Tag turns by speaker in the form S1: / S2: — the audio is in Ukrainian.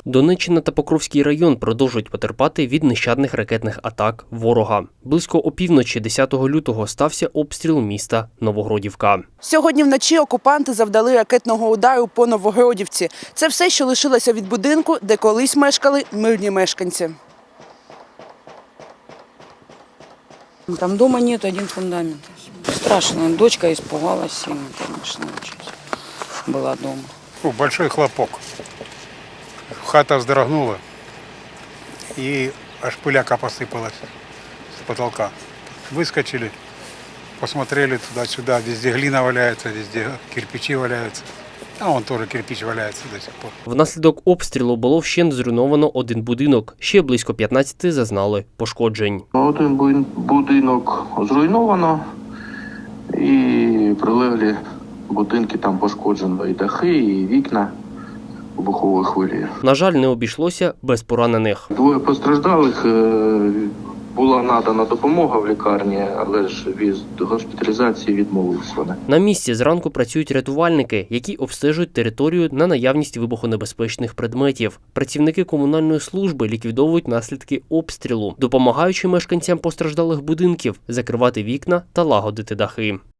S1: Донеччина та Покровський район продовжують потерпати від нещадних ракетних атак ворога. Близько опівночі 10 лютого стався обстріл міста Новогродівка.
S2: Сьогодні вночі окупанти завдали ракетного удару по Новогродівці. Це все, що лишилося від будинку, де колись мешкали мирні мешканці.
S3: Там дома нет, один фундамент. Страшно. Дочка испугалась сильно, конечно, очень. Была дома.
S4: Большой хлопок. Хата вздрогнула, и аж пыляка посыпалась с потолка. Выскочили, посмотрели туда-сюда, везде глина валяется, везде кирпичи валяются. А вон тоже кирпич валяється до сих пор.
S1: Внаслідок обстрілу було вщент зруйновано один будинок. Ще близько 15 зазнали пошкоджень.
S5: Один будинок зруйновано і прилеглі будинки там пошкоджено і дахи, і вікна вибухової хвилі.
S1: На жаль, не обійшлося без поранених.
S5: Двоє постраждалих, була надана допомога в лікарні, але ж від госпіталізації відмовились вони.
S1: На місці зранку працюють рятувальники, які обстежують територію на наявність вибухонебезпечних предметів. Працівники комунальної служби ліквідовують наслідки обстрілу, допомагаючи мешканцям постраждалих будинків закривати вікна та лагодити дахи.